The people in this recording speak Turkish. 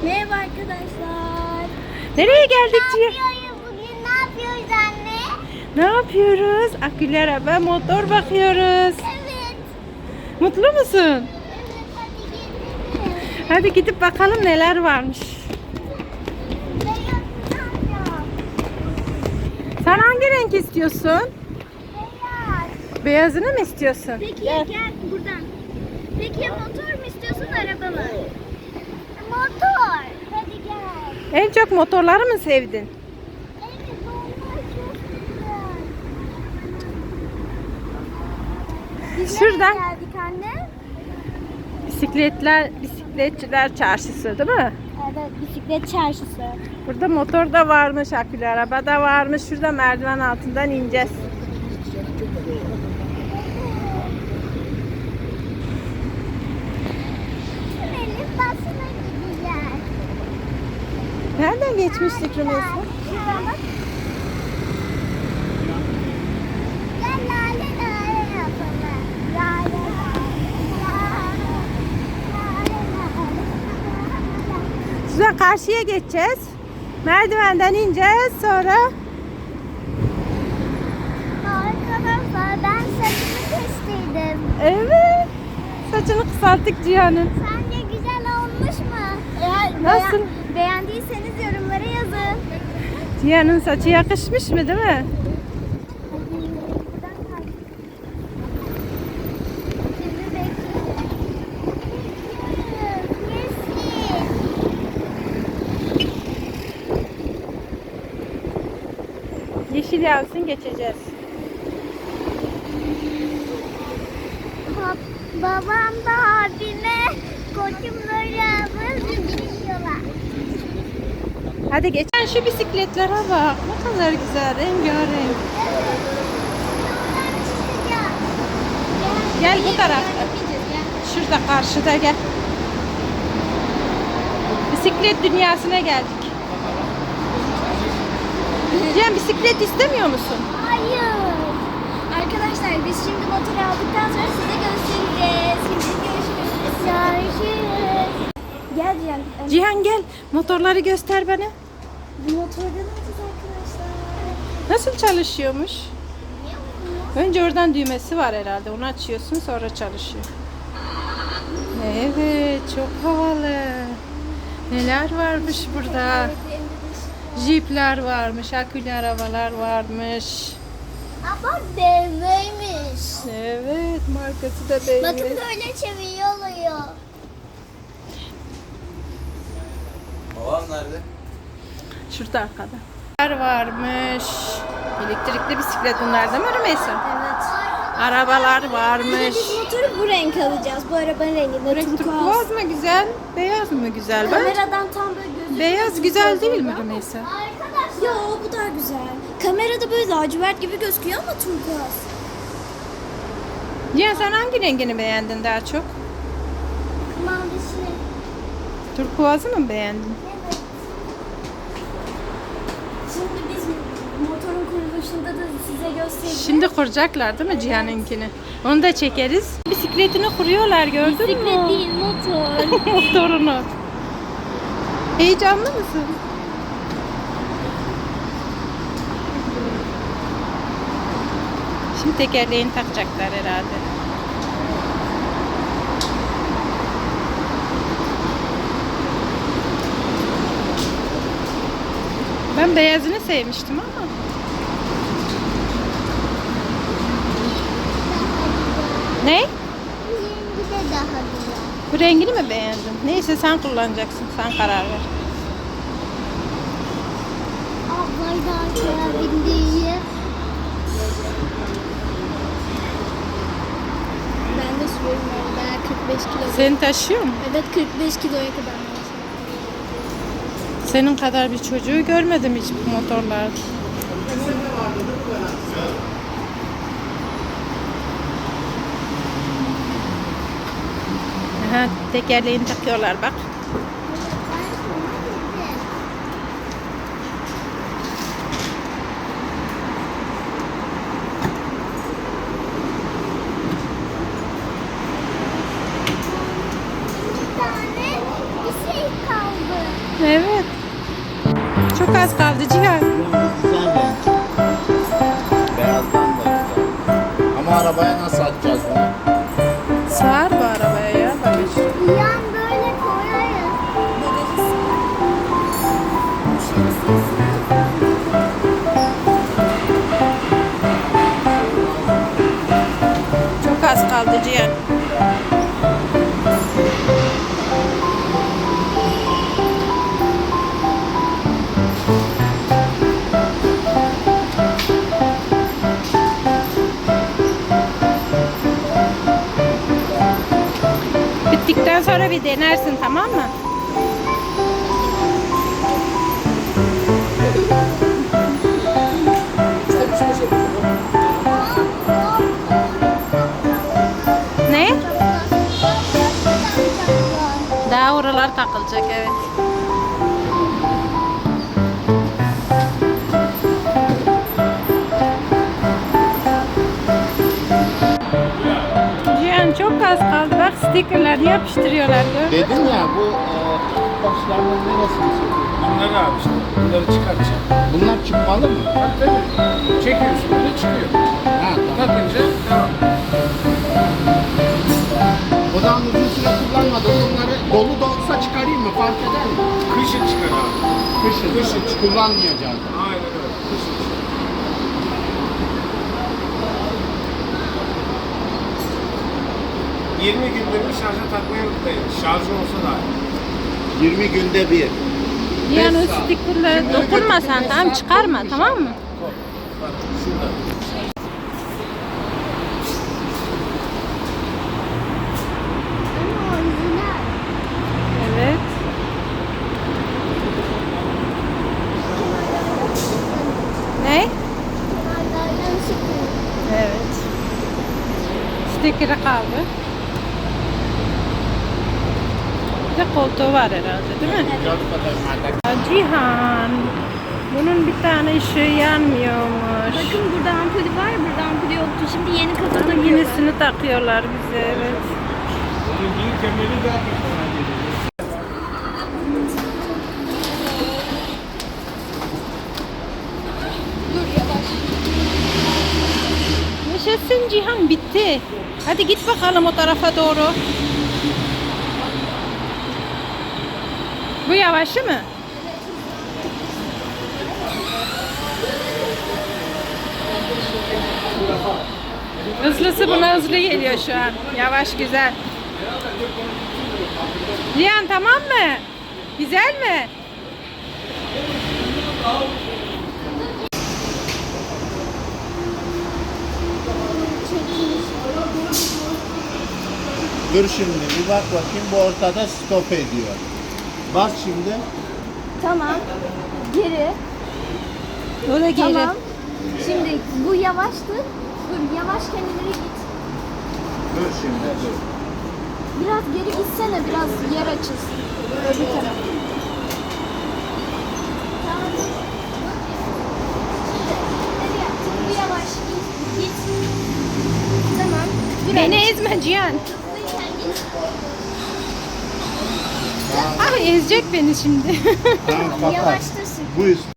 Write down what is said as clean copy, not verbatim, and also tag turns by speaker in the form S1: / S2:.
S1: Merhaba arkadaşlar.
S2: Nereye geldik Cihan?
S1: Bugün ne yapıyoruz anne?
S2: Ne yapıyoruz? Akülü araba, motor bakıyoruz.
S1: Evet.
S2: Mutlu musun?
S1: Evet, hadi gidelim.
S2: Hadi gidip bakalım neler varmış.
S1: Beyaz alacağım.
S2: Sen hangi renk istiyorsun?
S1: Beyaz.
S2: Beyazını mı istiyorsun?
S1: Peki gel buradan. Peki ya motor mu istiyorsun araba mı? Motor. Hadi gel.
S2: En çok motorları mı sevdin?
S1: Evet, onlar çok güzel. Biz
S2: Şuradan.
S1: nereye geldik anne?
S2: Bisikletçiler çarşısı değil mi?
S1: Evet, bisiklet çarşısı.
S2: Burada motor da varmış, akülü araba da varmış. Şurada merdiven altından ineceğiz.
S1: Benim basına gideceğiz.
S2: Nereden geçmiştik Rümeysa?
S1: Şuraya bak. Gel lale lale yapalım. Lale
S2: Şuradan karşıya geçeceğiz. Merdivenden ineceğiz sonra.
S1: Arkadaşlar ben saçımı kestirdim.
S2: Evet. Saçını kısalttık Cihan'ın.
S1: Sence güzel olmuş mu?
S2: Nasıl?
S1: Beğendiyseniz yorumlara yazın.
S2: Cihan'ın saçı yakışmış mı değil mi?
S1: Şimdi bekliyoruz.
S2: Yeşil yansın geçeceğiz.
S1: Babam da abime koçumları biniyorlar.
S2: Hadi geç. Sen şu bisikletlere bak. Ne kadar güzel. Rengarenk. Gel bu tarafta. Şurada karşıda gel. Bisiklet dünyasına geldik. Cihan bisiklet istemiyor musun?
S1: Hayır. Arkadaşlar biz şimdi motor aldıktan sonra size göstereceğiz. Şimdi görüşürüz. Görüşürüz. Gel Cihan.
S2: Cihan gel. Motorları göster bana.
S1: Bu motorda ne yapacağız arkadaşlar?
S2: Nasıl çalışıyormuş? Önce oradan düğmesi var herhalde. Onu açıyorsun sonra çalışıyor. Evet, çok havalı. Neler varmış burada? Jeepler varmış, akülü arabalar varmış.
S1: Ama BMW'ymiş.
S2: Evet, markası da BMW.
S1: Bakın böyle çeviriyor oluyor.
S3: Babam nerede?
S2: Şurada arkada. Varmış. Elektrikli bisiklet bunlar değil mi Rümeysa?
S1: Evet.
S2: Arabalar varmış.
S1: Biz motoru bu renk alacağız. Bu arabanın rengi.
S2: Turkuaz mı güzel, beyaz mı güzel? Ben
S1: Kameradan tam böyle gözüküyor.
S2: beyaz güzel değil mi Rümeysa?
S1: Arkadaşlar. Yo bu daha güzel. Kamerada böyle lacivert gibi gözüküyor ama turkuaz.
S2: Cihan sen hangi rengini beğendin daha çok?
S1: Mavisi.
S2: Turkuazı mı beğendin?
S1: Evet. Şimdi biz motorun kuruluşunda da size göstereceğiz.
S2: Şimdi kuracaklar değil mi Cihan'ınkini? Onu da çekeriz. Bisikletini kuruyorlar gördün mü?
S1: Bisiklet değil motor.
S2: Motorunu. Heyecanlı mısın? Şimdi tekerleğini takacaklar herhalde. Ben beyazını sevmiştim ama. Ne?
S1: Rengi de daha güzel.
S2: Bu rengini mi beğendin? Neyse sen kullanacaksın. Sen karar ver.
S1: Ablayı da arkaya bindiği. Ben de sürüyorum ben 45 kilo.
S2: Seni taşıyor mu?
S1: Evet 45 kiloya kadar.
S2: Senin kadar bir çocuğu görmedim hiç bu motorlarda. Aha, tekerleğini takıyorlar bak.
S1: Bir tane bir şey kaldı.
S2: Evet. Çok az kaldı Cihan.
S4: Güzel renk. Beyazdan da güzel. Ama arabaya nasıl atacağız bunu?
S2: Sığar bu arabaya ya. Bak.
S1: Yan böyle koyarız.
S2: Çok az kaldı Cihan. Bittikten sonra bir denersin, tamam mı? Ne? Daha oralar takılacak, evet. Cihan çok az kaldı. Bak stickerlarını yapıştırıyorlar. Gördün mü?
S4: Dedim ya bu başlarının neresini çekiyor?
S5: Bunları abi işte. Bunları çıkartacak.
S4: Bunlar çıkmalı mı?
S5: Tabii tabii. Çekiyorsun böyle çıkıyor.
S4: Ha tamam.
S5: Takınca devam.
S4: O zaman uzun süre kullanmadım. Bunları dolu da olsa çıkarayım mı? Fark eder mi?
S5: Kışın çıkar abi.
S4: Kışın.
S5: Kışın çıkar.
S4: Kullanmayacağız.
S5: Aynen öyle. Kışın çıkar. ...20 günde bir şarja takmayı unutmayın. Şarjı olsa da.
S4: 20 günde bir.
S2: Cihan o
S4: Beş saat.
S2: stickerlara
S4: Şimdi
S2: dokunma
S4: öbür
S2: sen,
S4: beş
S2: tamam,
S4: saat
S2: çıkarma,
S4: olmuş.
S2: tamam mı?
S5: Bak şurada.
S1: Ama orijinal.
S2: Evet. Ne?
S1: Kenarlardan çıkıyor.
S2: Evet. Sticker'ı kaldı. Bir de koltuğu var herhalde, değil mi?
S4: Biraz kadar madde.
S2: Cihan, bunun bir tane ışığı yanmıyormuş.
S1: Bakın burada ampulü var, burada ampulü yoktu. Şimdi yeni kafa
S2: Ama
S1: takıyorlar.
S2: yenisini takıyorlar bize, evet.
S5: Onun bir kemeri daha bir geliyor.
S1: Dur yavaş.
S2: Yaşasın Cihan, bitti. Hadi git bakalım o tarafa doğru. Bu yavaşı mı? Hızlısı buna hızlı geliyor şu an. Yavaş, güzel. Cihan, tamam mı? Güzel mi?
S4: Dur şimdi bir bak bakayım bu ortada stop ediyor. Bas şimdi.
S1: Tamam. Geri.
S2: O da geri.
S1: Tamam. Şimdi bu yavaştı. Dur yavaş kendileri git.
S4: Dur şimdi dur.
S1: Biraz geri gitsene, biraz yer açılsın. Öbür taraf. Tamam. Şimdi bu yavaş git. Git. Tamam. Dur
S2: Beni
S1: anne.
S2: ezme Cihan.
S1: Hızlıyken git.
S2: Ah, ezecek beni şimdi.
S4: Tamam kapat.
S1: Yavaştasın.
S4: Bu üst.